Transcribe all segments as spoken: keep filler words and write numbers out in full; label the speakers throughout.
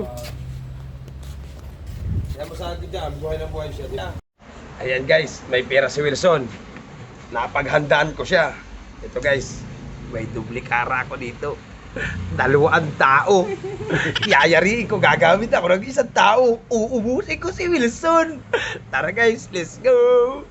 Speaker 1: Kaya masabi dyan, buhay na buhay siya. Ayan guys, may pera si Wilson. Napaghandaan ko siya. Ito guys, may duplikara ako dito. Dalawang tao. Yayariin ko, gagamit ako ng isang tao. Uubusin ko si Wilson. Tara guys, let's go.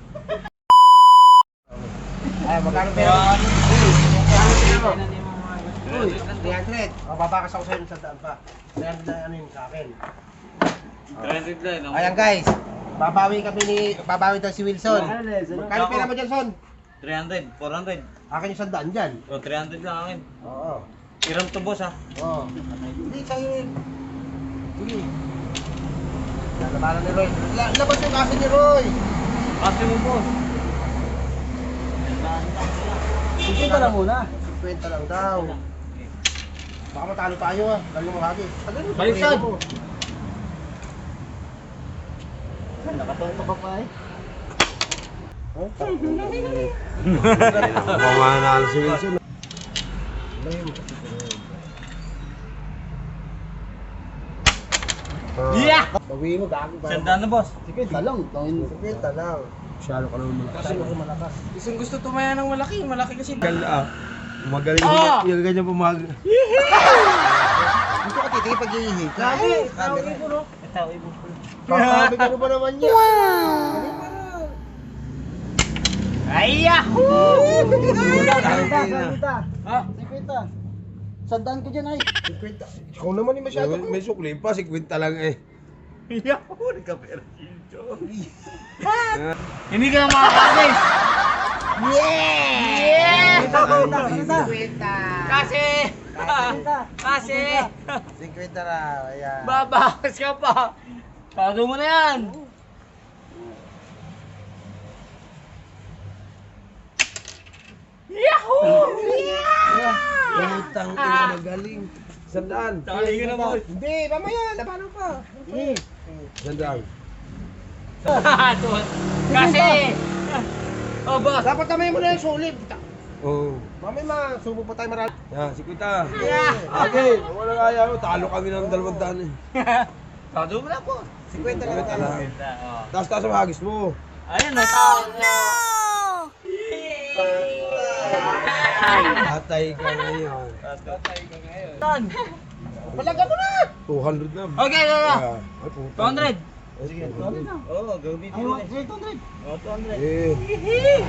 Speaker 2: Ay, magkano pera? Magkano pera mo? three hundred. O, babakas ako sa'yo sa daan pa. three hundred na ano yun sa akin.
Speaker 3: three hundred lang.
Speaker 2: Ayan guys, babawi kami ni, babawi daw si Wilson. Magkano pera mo dyan, Son?
Speaker 3: three hundred, four hundred.
Speaker 2: Akin yung sandaan dyan.
Speaker 3: O, three hundred lang akin.
Speaker 2: Oo.
Speaker 3: Iram to boss ha.
Speaker 2: Oo. Hindi, sa'yo yun. Sige. Lalabanan ni Roy. La- Labas yung kaso ni Roy.
Speaker 3: Kasi mo boss.
Speaker 2: fifty lang muna. fifty lang daw. Baka matalo tayo ah. Galing mo hagi.
Speaker 3: Baliktad.
Speaker 2: Nakatong pa pa eh.
Speaker 1: Pamanalo si Wilson.
Speaker 3: Yeah!
Speaker 2: Bawi mo, gago pa.
Speaker 3: Sandaan na boss.
Speaker 2: Sige, talong. Sige, talong.
Speaker 1: Masyado ka naman malakas.
Speaker 2: Kasi ako malakas.
Speaker 3: Isang gusto tumaya ng malaki. Malaki kasi.
Speaker 1: Gal ah. Magaling
Speaker 3: Ah!
Speaker 1: yung ganyan pumag.
Speaker 2: Dito ka titigil pag iihi.
Speaker 3: Grabe!
Speaker 2: Sabi
Speaker 3: Tawag ibo no? Tawag ibo.
Speaker 2: Sabi ka na ba naman niya?
Speaker 3: Ay, yahoo! Ha?
Speaker 2: Sikwita. Sandaan ko dyan ay. Sikwita. Ikaw naman yung masyado.
Speaker 1: May sukli pa, si Quinta lang eh.
Speaker 3: Yahoo! Nagka-pera Hindi ka na makakasis! Yeah!
Speaker 2: Sikwita.
Speaker 3: Kasi! Kasi!
Speaker 2: Sikwita na. Ayan.
Speaker 3: Babakas ka pa! Tado mo na yan! Yahoo!
Speaker 1: Utang ina magaling. Sandaan.
Speaker 3: Tali ka na boss!
Speaker 2: Hindi, mamaya. Labanan pa. Sige.
Speaker 1: Sandaan.
Speaker 3: Kasi! Oh boss!
Speaker 2: Dapat tamay mo na yung sulit.
Speaker 1: Oo.
Speaker 2: Mamaya masubo pa tayo marami.
Speaker 1: Yan, si Quinta.
Speaker 3: Yeah!
Speaker 1: Okay, wala kaya mo. Talo kami ng dalawang daan eh.
Speaker 3: Tado mo na po!
Speaker 2: Sikwita lang
Speaker 1: Sikwita
Speaker 2: tayo.
Speaker 1: lang. Taas taas ang hagis mo.
Speaker 3: Ayun na! Oh no!
Speaker 1: Atay ka ngayon.
Speaker 3: Tatay ka ngayon. Tan!
Speaker 2: Palaga mo na!
Speaker 1: two hundred na.
Speaker 3: Okay, go, go!
Speaker 1: Ah, ay, puta.
Speaker 3: two hundred!
Speaker 1: Sige,
Speaker 3: Oo, gawin
Speaker 2: Ay,
Speaker 3: dito
Speaker 2: wa-
Speaker 3: eh.
Speaker 2: two hundred.
Speaker 3: Oh, two hundred.
Speaker 1: Eh.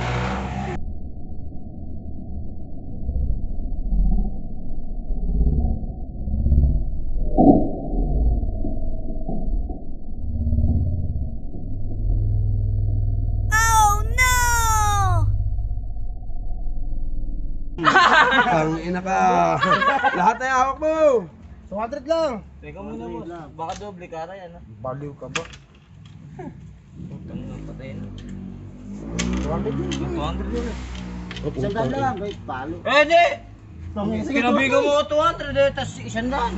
Speaker 1: Ang ina ka. Lahat ay hawak mo.
Speaker 2: two hundred lang.
Speaker 3: Teka muna boss. Baka doble kara yan ha.
Speaker 2: Baliw ka ba?
Speaker 3: Putang na patayin.
Speaker 2: two hundred lang.
Speaker 3: two hundred yun eh.
Speaker 2: Isang daan lang, wait, palo.
Speaker 3: Eh di!
Speaker 2: Sige,
Speaker 3: Kinabigan mo two hundred eh, tas isang daan.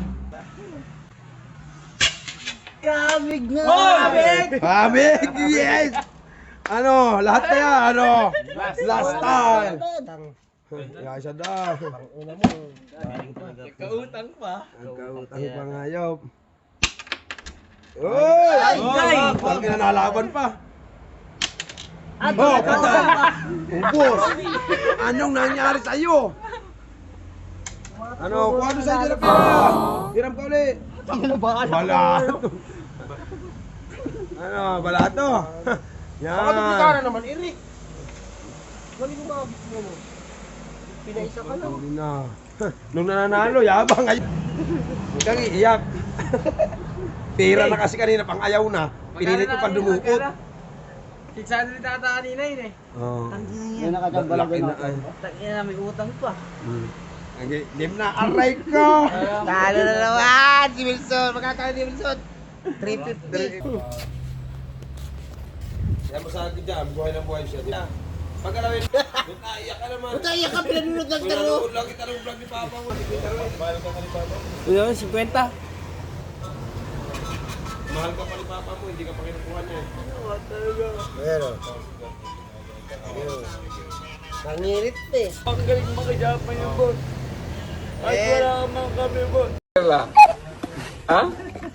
Speaker 2: Kabig na!
Speaker 3: Kabig!
Speaker 1: Kabig! Yes! Ano? Lahat na yan, ano? Last time! Kaya siya daw.
Speaker 2: Una mo.
Speaker 3: Kautang pa.
Speaker 1: Nagkautang pa ngayop. Uy!
Speaker 3: Ay, ay!
Speaker 1: Parang kinanalaban pa. Oh, patay! Ubos! Anong nangyari sa'yo? Ano? Kung ano sa'yo na pera? Hiram ka ulit. Balato. Ano? Balato? Yan.
Speaker 2: Baka duplikara naman, Eric. Galing mo ba gusto mo? Pinaisa ka lang.
Speaker 1: Hindi na. Nung nananalo, yabang ngayon. Huwag kang iiyak. Pera na kasi kanina, pang ayaw na. Pinilit ko pang dumukot.
Speaker 3: six hundred tata kanina yun eh.
Speaker 1: Oo.
Speaker 2: Yan nakachamba lang
Speaker 1: Laki na ay.
Speaker 3: Tangina na may utang pa.
Speaker 1: Hmm. Okay, game na. Aray ko!
Speaker 2: Talo na naman! Si Wilson! Magkakala ni Wilson! three fifty.
Speaker 1: Kaya masabi dyan, buhay na buhay siya. Pag alawin, naiyak ka naman.
Speaker 2: Buta iyak ka, pinanunod lang taro.
Speaker 1: Pinanood lang kita ng vlog ni Papa mo. Mahal ka pa ni Papa mo.
Speaker 3: Yun, fifty.
Speaker 1: Mahal ka pa ni Papa mo, hindi ka pa kinukuha niya.
Speaker 2: Pero. Nangirit eh.
Speaker 3: Ang galing makajapan yung boss. Ay,
Speaker 2: Eh.
Speaker 3: wala naman kami boss.
Speaker 1: Ha?